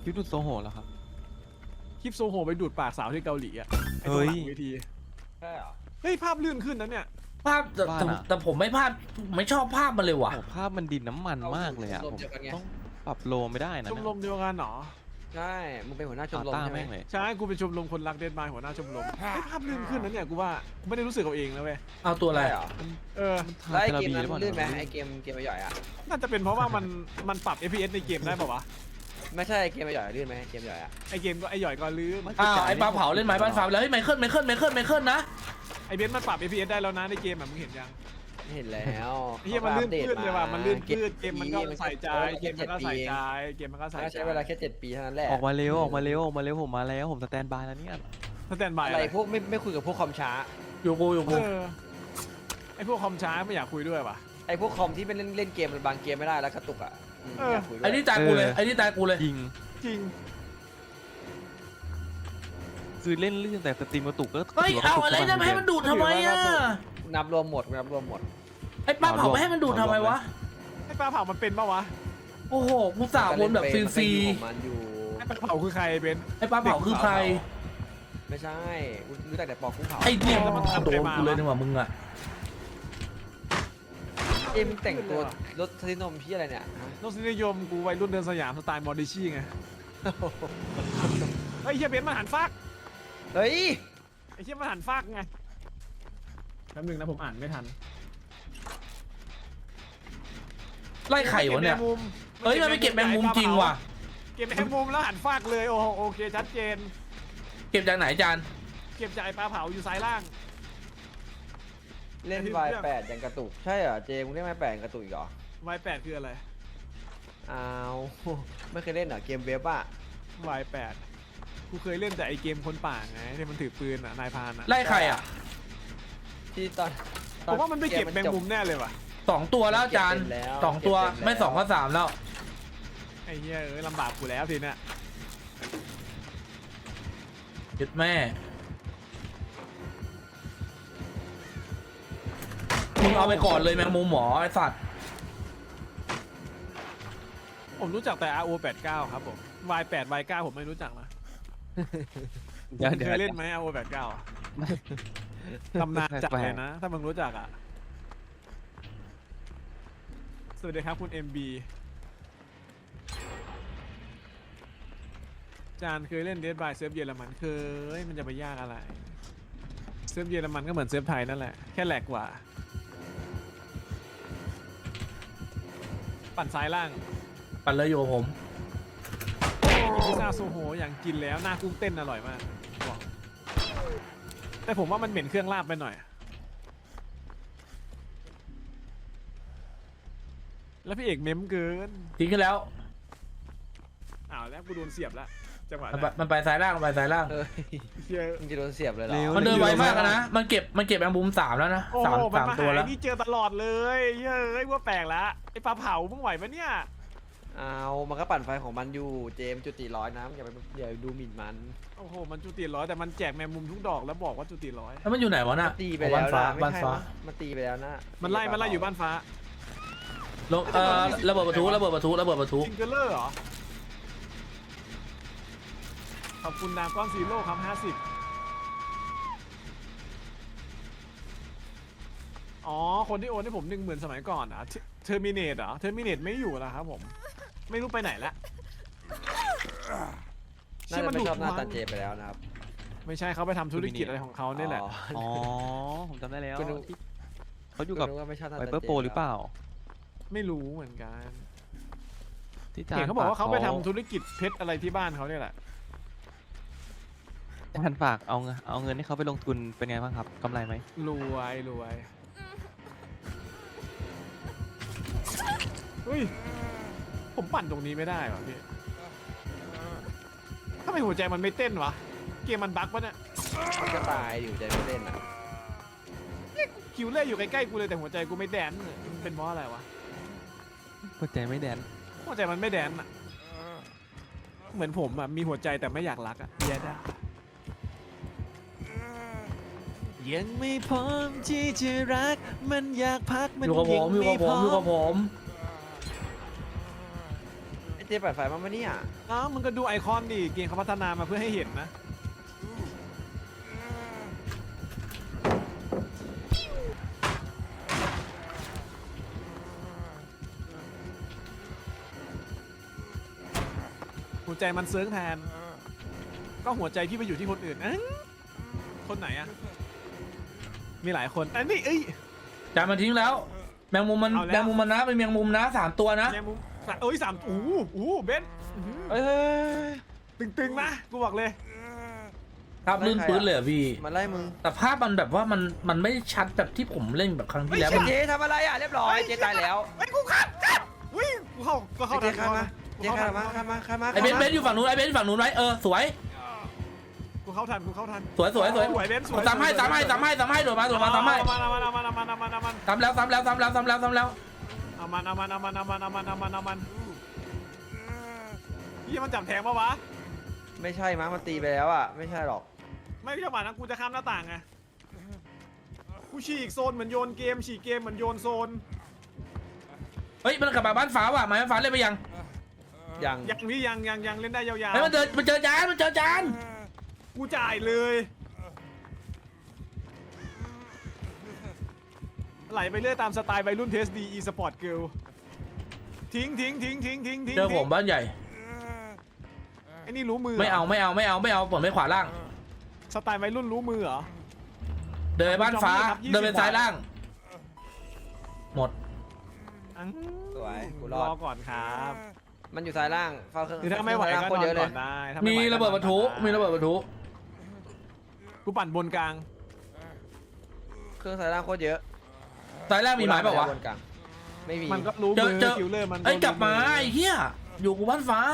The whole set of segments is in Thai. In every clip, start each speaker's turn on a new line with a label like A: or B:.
A: ลิปดูดโซโหเหรอครับ
B: คลิปโซโหไปดูดปากสาวที่เกาหลีอ่ะไอ้ตร
A: เฮ้
B: ง
A: ย
B: หลังเวทีใช่เหรอเฮ้ยภาพลื่นขึ้นนะเนี่ย
C: ภาพแต่ผมไม่ภาพไม่ชอบภาพมันเลยว่ะ
A: โอ้ภาพมันดินน้ำมันมากเลยอ่ะผมต้องปรับโลไม่ได้นะ
B: ชมรมเดียวกันเหรอ
D: ใช่มึงเป็นหัวหน้าชมรม
A: ต้า
D: ใช่ไหม
A: แม่งเลย
B: ใช่กูเป็นชมรมคนรักเดนมาร์กหัวหน้าชมรมเฮ้ยภาพลื่นขึ้นนะเนี่ยกูว่าไม่ได้รู้สึกเอาเองนะเว้ย
C: เอาตัวอะไร
D: ใช่เหรอ
B: เออ
D: แล้วไอ้เกม
A: ทา
D: นั้น
A: ราบีหรือเปล่า
D: ลื่นไหมไอ้เกมใหญ่อะ
B: น่าจะเป็นเพราะว่ามันปรับ FPS ในเกมได้ป่าวะ
D: ไม่ใช่เกมใหญ่ลื่นไหมเกมใหญ่อะ
B: ไอเกมก็ไอหย่อยก็ลื่น
C: อ้าวไอ้ปลาเผาเล่นไม้บ้านฟ้าแล้วเฮ้ยไมเคิลนะ
B: ไอเบนซ์มันปรับ FPS ได้แล้วนะในเกมอ่ะมึงเห็นยัง
D: เห็นแล้ว
B: ไอ้เหี้ยมันลื่นพืดเลยว่ะมันลื่นพืดเกมมันก็
D: 7
B: ใส่ใจเกมมันก็ใส่ใจเกมมันก็ใส่ใจ
D: ใช้เวลาแค่7 ปีเท่านั้นแหละ
A: ออกมาเร็วผมมาแล้วผมสแตนบายแล้วเนี่ย
B: สแตนบาย
D: อะไรพวกไม่คุยกับพวกคอมช้า
C: อยู่กู
B: ไอพวกคอมช้าไม่อยากคุยด้วยว่ะ
D: ไอ้พวกคอมที่เป็นเล่นเกมมันบางเกมไม่ได้แล้วกระตุกอะอยากคุยด้วย
C: ไอ้นี่ตายกูเลยไอ้นี่ตายกูเลย
A: จริง
B: จริง
A: คือเล่นเรื่องแต่สตรีมกระตุกก็
C: เฮ้ยเอาอะไรนะให้มันดูดทำไมอ่ะ
D: นับรวมหมด
C: ไอ้ปลาเผาไม่ให้มันดูดทำไมวะ
B: ไอปลาเผามันเป็นปะวะ
C: โอ้โหกูสาววนแบบฟรี
D: ของมันอยู่
B: ไอปลาเผาคือใครเบนซ์
C: ๆไอ้ปลาเผาคือใคร
D: ไม่ใช่รู้จักแต่ปอกกุ้งเผา
C: ไอ้เนี่ย
B: แล้วมันทำ
C: โด
B: ไป
C: น
B: มา
C: กูเลยนี่หว่ามึงอ่ะ
D: เอ็มแต่งตัวรถทนมพี่อะไรเนี่ย
B: รสนิยมกูวัยรุ่นเดินสยามสไตล์มอร์ดิชี่ไงเฮ้ยเฮียเบนซ์มันหันฟาก
D: เฮ้ย
B: ไอเฮียมันหันฟากไงแป๊บนึงนะผมอ่านไม่ทัน
C: ไล่ไข่วะเนี่ยเฮ้ยมันไปเก็บแมงมุมจริงว่ะ
B: เก็บแมงมุมแล้วหันฟากเลยโอ้โหโอเคชัดเจน
C: เก็บจากไหนจาน
B: เก็บจากไอปลาเผาอยู่ซ้ายล่าง
D: เล่นวาย8ยังกระตุกใช่เหรอเจมึงเล่นวาย8ยังกระตุกอีกเหรอ
B: Y8 คืออะไร
D: อ้าวไม่เคยเล่นเหรอเกมเว็บอะ
B: Y8 กูเคยเล่นแต่ไอเกมคนป่าไงที่มันถือปืนอ่ะนายพรานอ่ะ
C: ไล่ใครอ่ะ
D: ที่ตอน
B: ผมว่ามันไม่เก็บแมงมุมแน่เลยว่ะ
C: 2 ตัวแล้วจาน2 ตัวไม่2ก็3แล้ว
B: ไอ้เหี้ยลำบากกูแล้วทีเนี้ย
C: ยึดแม่มึงเอาไปก่อนเลยแมงมุมหมอไอ้สัตว์
B: ผมรู้จักแต่ RO89 ครับผม Y8 Y9 ผมไม่รู้จักนะ
A: เดี๋ยว
B: เคยเล่นไหม RO89 อะตำนานจัดเลยนะ ถ้ามึงรู้จักอ่ะ สวัสดีครับคุณ MB จานเคยเล่น Dead by เซิร์ฟเยอรมันเคยมันจะไปยากอะไร เซิร์ฟเยอรมันก็เหมือนเซิร์ฟไทยนั่นแหละ แค่แหลกกว่า ปั่นซ้ายล่าง
C: ปั่นเลยอยู่กับผม
B: พิซซ่าโซโหอย่างกินแล้วหน้ากุ้งเต้นอร่อยมากบอกแต่ผมว่ามันเหม็นเครื่องลาบไปหน่อย แล้วพี่เอกเม้มเกิน
C: ทิ้งกันแล้ว
B: อ้าวแล้วกูโดนเสียบแล้วจังหวะ
C: มันไปซ้ายล่างมันไปซ้ายล่าง
D: เฮ้ย
B: เชี่ย
D: มึงจะโดนเสียบเลยเหรอ
C: มันเดินไวมากอะนะมันเก็บแมงมุม3แล้วนะ
B: โอ้โหมันมา
C: 3ตัว
B: หา
C: แล้ว
B: นี่เจอตลอดเลยเฮ้ยว่าแปลกแล้วไอ้ปลาเผามึงไหวปะเนี่ย
D: เอามันก็ปั่นไฟของมันอยู่เจมจุติร้อยนะอย่าดูหมิ่นมัน
B: โอ้โหมันจุติร้อยแต่มันแจกแมงมุมทุกดอกแล้วบอกว่าจุติร้อย
C: แล้วมันอยู่ไหนวะน่ะ
D: ตีไปแล้ว
C: บ้านฟ้า
D: นะไม่
C: บ้าน
D: ใช่
C: ฟ้า
D: นะมันตีไปแล้วนะ
B: มันไล่อยู่บ้านฟ้า
C: ลงระเบิดประทุระเบิดประทุ
B: จิงเกอร์เลอร์เหรอขอบคุณดาวก้อนซีโร่ครับ50อ๋อคนที่โอนให้ผม10,000สมัยก่อนอ่ะเทอร์มิเนตเหรอเทอร์มิเนตไม่อยู่แล้วครับผมไม่รู้ไปไหนละ
D: น่าจะไม่ชอบหน้าตาเจไปแล้วนะครับ
B: ไม่ใช่เขาไปทำธุรกิจอะไรของเขาเนี่ยแหละ
A: อ๋อผมจำได้แล้ว
D: ก็นึก
A: ที่เขาอยู่กับ
D: นึว่าไม่ชอบหน้า
A: ไว
D: ตา
A: เปอร์
D: เจ
A: โปรหรือเปล่า
B: ไม่รู้เหมือนกัน
A: ที่จาน
B: เห็นเขาบอกว่าเขาไปทำธุรกิจเพชรอะไรที่บ้านเขาเนี่ยแหละ
A: จานฝากเอาเงินให้เขาไปลงทุนเป็นไงบ้างครับกำไรไหม
B: รวยเฮ้ยผมปั่นตรงนี้ไม่ได้ว่ะพี่ทำไมหัวใจมันไม่เต้นวะเกมมันบั๊กปะเนี่ย
D: มันก็ตายอยู่ใจไม่เล่นอ่ะ
B: คิวเล่อยู่ใกล้ๆกูเลยแต่หัวใจกูไม่แดนเลยมันเป็นเพราะอะไรวะ
A: หัวใจไม่แดน
B: หัวใจมันไม่แดนอะเหมือนผมอะมีหัวใจแต่ไม่อยากรักอะแย่ได้ยังไม่พร้อมที่จะรักมันอยากพักมัน
C: อยู่กับผม
B: ยังไม่พร้อม
C: อยู่กับผม
D: เจปั่นไฟมาปะเนี่ย
B: อ้าวมึงก็ดูไอคอนดิเกมเขาพัฒนามาเพื่อให้เห็นนะหัวใจมันเซิร์งแทน ก็หัวใจพี่ไปอยู่ที่คนอื่นคนไหนอะมีหลายคนอันนี้
C: จานมันทิ้งแล้ว แมงมุมมัน
B: เอาแล้ว
C: แมงมุมมันนะเป็นแมงมุมนะ3 ตัวนะ
B: แมงมุมสามเบนซ์
D: เอ้ย
B: ตึงๆนะกูบอกเลย
C: ครับลื่นปื้นเลยอะพี่
D: มันไล่มึง
C: แต่ภาพมันแบบว่ามันไม่ชัดแบบที่ผมเล่นแบบครั้งที่แล้วมัน
D: เจทำอะไรอ่ะเรียบร้อยเจตายแล้ว
B: ไอ้กูขัดวิ่งกูเข้า
D: เจข้ามมาเจข้ามมาข้ามมาข้ามมา
C: ไอเบนซ์อยู่ฝั่งนู้นไอเบนซ์ฝั่งนู้นไว้สวย
B: กูเข้าทัน
C: สวย
B: สวยเบนซ์สวย
C: ตามให้โดดมาตามให้
B: เอามัน
C: ตามแล้วเอา
B: มันพี่มันจับแทงปะวะ
D: ไม่ใช่มั้งมันตีไปแล้วอ่ะไม่ใช่หรอก
B: ไม่จังหวะนั้นกูจะข้ามหน้าต่างไงกูฉีกโซนเหมือนโยนเกมฉีกเกมเหมือนโยนโซน
C: เฮ้ยมันกลับมาบ้านฟ้าว่ะมาบ้านฟ้าเล่นไปยัง
D: ยัง
B: ยังพี่ยังเล่นได้ยาว
C: เฮ้ยมันเจอจาน
B: ๆกูจ่ายเลยไหลไปเรื่อยตามสไตล์วัยรุ่นเทสดีอีสปอร์ตเกิลทิ้ง
C: เจอผมบ้านใหญ่
B: ไอ้นี่รู้มือ
C: ไม่เอาผมไม่ขวาล่าง
B: สไตล์วัยรุ่นรู้มือเหรอ
C: เดินไปบ้านฟ้า
B: ครับ20
C: เดินไปซ้ายล่าง หมด
D: สวยกูร
B: ร
D: อ
B: อ
D: ด
B: ก่อนครับ
D: มันอยู่ซ้ายล่างเฝ้าเครื่อง
B: คือถ้าไม่ไหวก็
D: โคน
B: นอ
D: เย
B: น
D: อะเล
B: ก่อย นได้ถ้าไไห
C: มี
B: วก็
C: ระเบิดปะทุ
B: นอน
C: มีระเบิดปะทุ
B: กูปั่นบนกลาง
D: เครื่องซ้ายล่างโคตรเยอะ
C: ซ้ายล่างมีหมายเปล่าวะ
D: บนกลางไม่มี
B: มันก็รู้
C: เจอ
B: มือ
C: เจอ
B: คิวเลอร์มัน
C: เอ้ยกลับมาไอ้เหี้ยอยู่กูบ้านฟ้า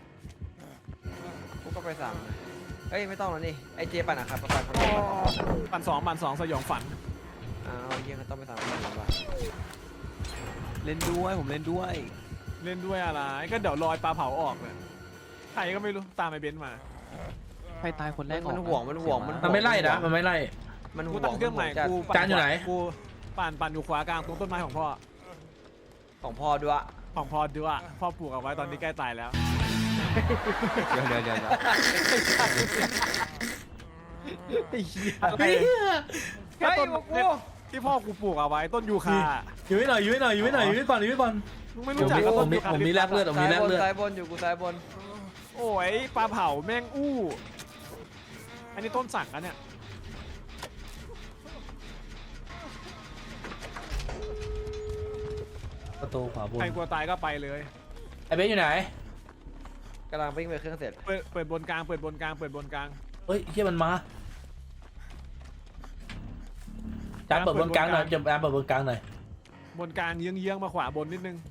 D: กูก็ไปสั่งเอ้ยไม่ต้องแล้วนี่ไอเจปั่นอะครับปั่น
B: ปั่นสองสยองฝัน
D: อ้าวเยี่ยมต้องไปสั่งมันว่ะ
A: เล่นด้วยผมเล่นด้วย
B: เล่นด้วยอะไรก็เดี๋ยวลอยปลาเผาออกเลยใครก็ไม่รู้ตามไอ้เบนซ์มา
A: ใครตายคนแรก
D: มันห่วงมันห่วง
C: มันไม่ไล่นะมันไม่ไล่
D: มันห่
B: กู
D: วง
B: ตั้งเครื่องใหม่กู
C: จานอยู่ไหน
B: กูปั่นอยู่ขวากลางตรงต้นไม้ของพ่อ
D: ของพ่อด้วย
B: ของพ่อด้วยพ่อปลูกเอาไว้ตอนนี้ใกล้ตายแล้ว
A: เดี๋ยว
D: ไอ้เหี้ย
B: อะไร
D: เฮ้ยบอกกู
B: ที่พ่อกูปลูกเอาไว้ต้นยูคา
C: อยู่ให้หน่อยอยู่ให้ก่อน
B: มึงไม่รู้จักกับต้นยูคา
C: ผมมีแลกเลือด
D: ซ้ายบนอยู่กูซ้ายบน
B: โอ้ยปลาเผาแม่งอู้อันนี้ต้นสักนะเนี่ย
C: ประตูขวาบน
B: ใครกลัวตายก็ไปเลย
C: ไอเบนอยู่ไหน
D: กำลังวิ่งไปเครื่องเสร็จ
B: เปิดบนกลางเปิดบนกลาง
C: เฮ้ยเฮียมันมาจานเปิดบนกลางหน่อยจานเปิดบนกลางหน่อย
B: บนกลางเยื้องๆมาขวาบนนิดนึง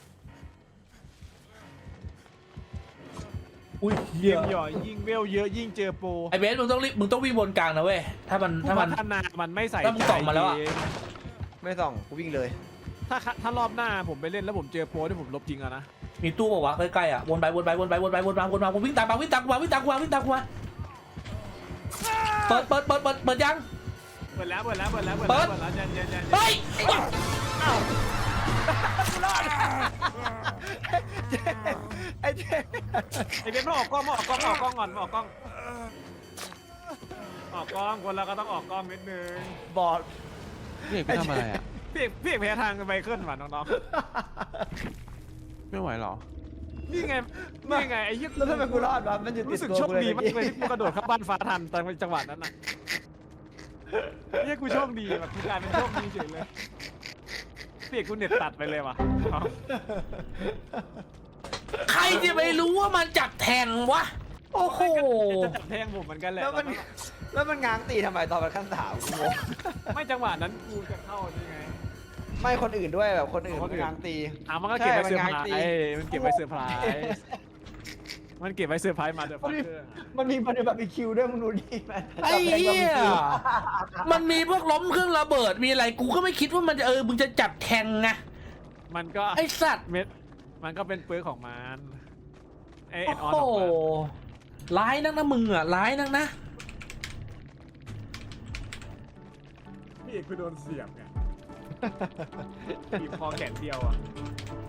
C: อุ้ยเฮี
B: ยิ
C: ย
B: งหย่อยิ่งเวลเยอะยิ่งเจอโปร
C: ไอเบนมึงต้องวิ่งบนกลางนะเว้ยถ้ามัน
B: ผู้พัฒนามันไม่ใส่
C: ถ้ามึงส่องมาแล้วอะ
B: ใจ
D: ไม่ส่องกูวิ่งเลย
B: ถ้ารอบหน้าผมไปเล่นแล้วผมเจอโปรที่ผมลบจริงอะนะ
C: มีตู้บอกว่าใกล้ๆอ่ะวนไปผมวิ่งตามมาเปิดยัง
B: เปิดแล้วเย็น
C: เฮ้ย
D: ไอ้เจ๊
B: ไอเบนมาออกกล้องก่อนออกกล้องคนเราก็ต้องออกกล้องนิดนึง
D: บอด
A: พี่เอกไปทำอะไรอ่ะ
B: พี่เอกแพ้ทางไมเคิลว่ะน้อง
A: ไม่ไหวหรอ
B: ๆนี่ไงไอ้เหี้ย
D: แล้วทำไมกูรอดวะมันอยู่ติ
B: รู้
D: ด
B: สึก
D: ตัว
B: โชค
D: กูเลย
B: ดีมากเลยที่กูกระโดดเข้าบ้านฟ้าทันตอนจังหวะนั้นน่ะเฮ้ยกูโชคดีแบบกูกลายเป็นโชคดีเฉยเลยเปียกกูเน็ตตัดไปเลยว่ะ
C: ใครจะไปรู้ว่ามันจับแทงวะโอ้โห
B: จะจับแทงผมเหมือนกันแหละ
D: แล้วมันง้างตีทำไมตอนมันขั้นสามกูงง
B: ไม่จังหวะนั้นกูจะเข้านี่ไง
D: ไม่คนอื่นด้วยแบบคนอื่นมันง้างตี
B: มันก็เก็บไว้เซอร์ไพร
D: ใช่
B: ส์มันเก็บไว้เซอร์ไพรส์มันเก็บไว้เซอร์ไพรส์มาเดี๋ยวฟังเกอร์
D: มันมีบาร์บีคิวด้วยมึงดูดิแม
C: ไอ้เหี้ยมันมีพวกล้มเครื่องระเบิดมีอะไรกูก็ไม่คิดว่ามันจะมึงจะจับแทงไง
B: มันก็
C: ไอ้สัตว์
B: เม็ดมันก็เป็นเปลือกของมันไอ้
C: โอ้
B: ออน
C: โห
B: ออกมา
C: ร้ายนักนะมึงอ่ะร้ายนักนะ
B: พี่เอกคือโดนเสียบไงบีบคอแขนเดียวอ่ะ